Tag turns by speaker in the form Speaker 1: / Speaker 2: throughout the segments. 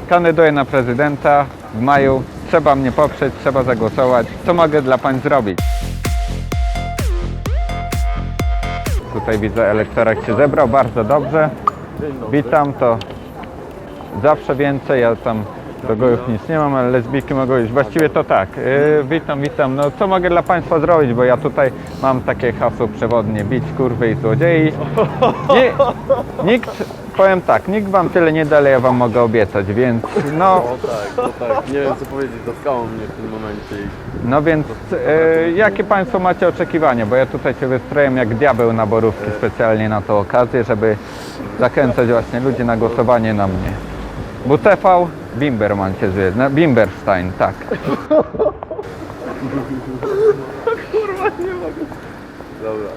Speaker 1: Kandyduję na prezydenta w maju. Trzeba mnie poprzeć, trzeba zagłosować. Co mogę dla pań zrobić? Tutaj widzę, elektorat się zebrał, bardzo dobrze. Witam, to zawsze więcej, ja tam do gojów nic nie mam, ale lesbijki mogą iść. Właściwie to tak. Witam. No co mogę dla państwa zrobić, bo ja tutaj mam takie hasło przewodnie: bić kurwy i złodziei. Powiem tak, nikt wam tyle nie da, ale ja wam mogę obiecać, więc no...
Speaker 2: tak, nie wiem co powiedzieć, zatkało mnie w tym momencie.
Speaker 1: No więc, jakie państwo macie oczekiwania? Bo ja tutaj się wystroję jak diabeł na borówki specjalnie na tą okazję, żeby zachęcać właśnie ludzi na głosowanie na mnie. WTV, Bimberman się zwie, Bimberstein, tak.
Speaker 2: Kurwa, nie mogę. Dobra,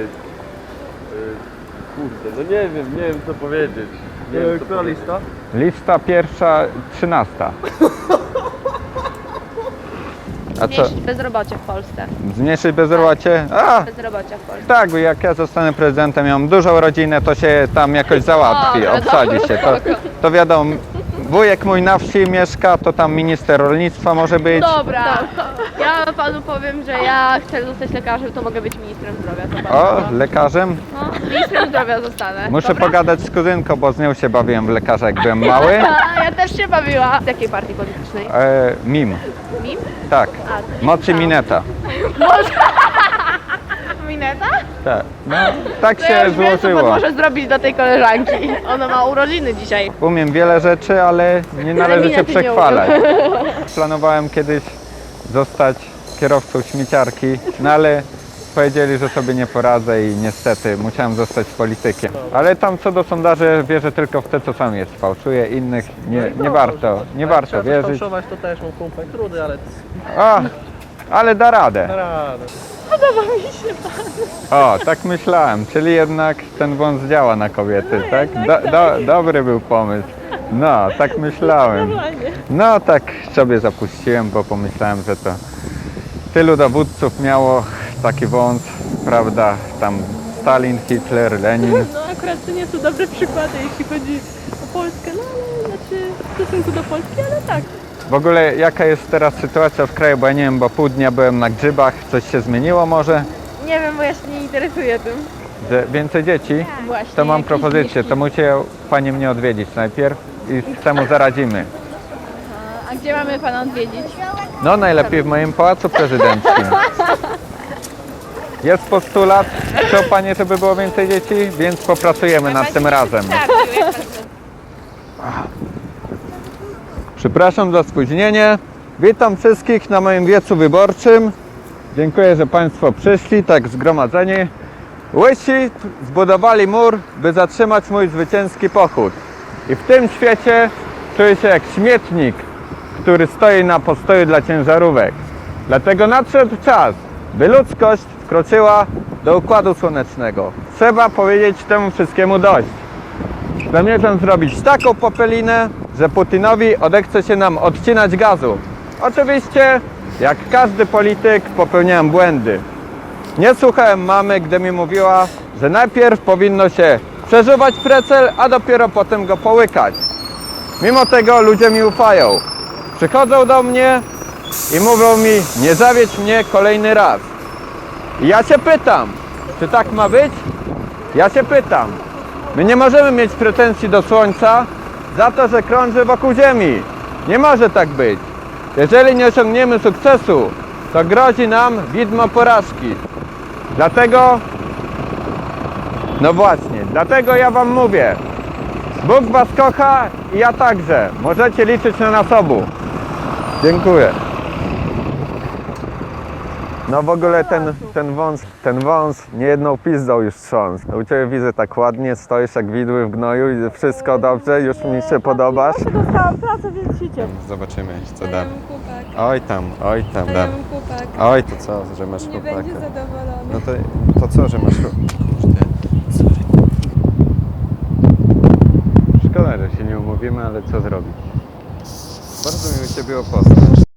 Speaker 2: kurde, no nie wiem co powiedzieć. Nie wiem, która lista?
Speaker 1: Lista pierwsza, 13. A co?
Speaker 3: Zmniejszyć bezrobocie w Polsce.
Speaker 1: Zmniejszyć bezrobocie? A!
Speaker 3: Bezrobocia w Polsce.
Speaker 1: Tak, bo jak ja zostanę prezydentem, ja mam dużą rodzinę, to się tam jakoś załatwi, obsadzi się. To wiadomo, wujek mój na wsi mieszka, to tam minister rolnictwa może być.
Speaker 3: Dobra, ja panu powiem, że ja chcę zostać lekarzem, to mogę być ministrem zdrowia. To bardzo
Speaker 1: O,
Speaker 3: dobrze.
Speaker 1: lekarzem?
Speaker 3: No, ministrem zdrowia zostanę.
Speaker 1: Muszę
Speaker 3: Dobra?
Speaker 1: pogadać z kuzynką, bo z nią się bawiłem w lekarza, jak byłem mały.
Speaker 3: A, ja też się bawiła. Z jakiej partii politycznej?
Speaker 1: Mim,
Speaker 3: MIM?
Speaker 1: tak.
Speaker 3: A, to nie
Speaker 1: Mocy
Speaker 3: słyszałam.
Speaker 1: Mineta.
Speaker 3: Mineta?
Speaker 1: Tak, no, tak
Speaker 3: To ja
Speaker 1: się
Speaker 3: już wiem, co pan
Speaker 1: złożyło.
Speaker 3: może zrobić do tej koleżanki. Ona ma urodziny dzisiaj.
Speaker 1: Umiem wiele rzeczy, ale nie należy się
Speaker 3: minety nie
Speaker 1: przechwalać. Planowałem kiedyś zostać kierowcą śmieciarki, no ale powiedzieli, że sobie nie poradzę i niestety musiałem zostać politykiem. Ale tam co do sondaży wierzę tylko w te, co sam jest. Fałszuję, innych nie warto wierzyć.
Speaker 4: Fałszować to też mam kumpel trudy, ale
Speaker 1: O, ale da radę.
Speaker 4: radę.
Speaker 1: O, tak myślałem, czyli jednak ten wąs działa na kobiety, tak? Dobry był pomysł. No, tak myślałem. No, tak sobie zapuściłem, bo pomyślałem, że to tylu dowódców miało taki wąs, prawda? Tam Stalin, Hitler, Lenin.
Speaker 5: No akurat to nie są dobre przykłady, jeśli chodzi o Polskę, no ale znaczy w stosunku do Polski, ale tak.
Speaker 1: W ogóle jaka jest teraz sytuacja w kraju, bo ja nie wiem, bo pół dnia byłem na grzybach, coś się zmieniło może?
Speaker 5: Nie wiem, bo ja się nie interesuję tym.
Speaker 1: Że więcej dzieci?
Speaker 5: Właśnie.
Speaker 1: To mam
Speaker 5: jakieś
Speaker 1: propozycję,
Speaker 5: wieści.
Speaker 1: to musicie Pani mnie odwiedzić najpierw i temu zaradzimy.
Speaker 5: A gdzie mamy pana odwiedzić?
Speaker 1: No najlepiej w moim pałacu prezydenckim. Jest postulat, chcą Panie, żeby było więcej dzieci, więc popracujemy nad tym razem. Przepraszam za spóźnienie. Witam wszystkich na moim wiecu wyborczym. Dziękuję, że Państwo przyszli, tak zgromadzeni. Łysi zbudowali mur, by zatrzymać mój zwycięski pochód. I w tym świecie czuję się jak śmietnik, który stoi na postoju dla ciężarówek. Dlatego nadszedł czas, by ludzkość wkroczyła do Układu Słonecznego. Trzeba powiedzieć temu wszystkiemu dość. Zamierzam zrobić taką popelinę, że Putinowi odechce się nam odcinać gazu. Oczywiście, jak każdy polityk, popełniałem błędy. Nie słuchałem mamy, gdy mi mówiła, że najpierw powinno się przeżuwać precel, a dopiero potem go połykać. Mimo tego ludzie mi ufają. Przychodzą do mnie i mówią mi: nie zawiedź mnie kolejny raz. I ja się pytam, czy tak ma być? Ja się pytam. My nie możemy mieć pretensji do Słońca za to, że krąży wokół Ziemi. Nie może tak być. Jeżeli nie osiągniemy sukcesu, to grozi nam widmo porażki. Dlatego, no właśnie, dlatego ja Wam mówię, Bóg Was kocha i ja także. Możecie liczyć na nas obu. Dziękuję. No w ogóle ten wąs niejedną pizdą już trząsł. U Ciebie widzę tak ładnie, stoisz jak widły w gnoju i wszystko dobrze, już mi się podobasz.
Speaker 5: Dostałam pracę, więc się cieszę.
Speaker 1: Zobaczymy, co
Speaker 5: Daję
Speaker 1: da.
Speaker 5: mu chłopak,
Speaker 1: Oj tam, da.
Speaker 5: daję mu chłopak.
Speaker 1: Oj, to co, że masz
Speaker 5: Nie
Speaker 1: chłopaka?
Speaker 5: będzie zadowolony.
Speaker 1: No to co, że masz Kurde, sorry. Szkoda, że się nie umówimy, ale co zrobić? Bardzo miło Cię było poznać.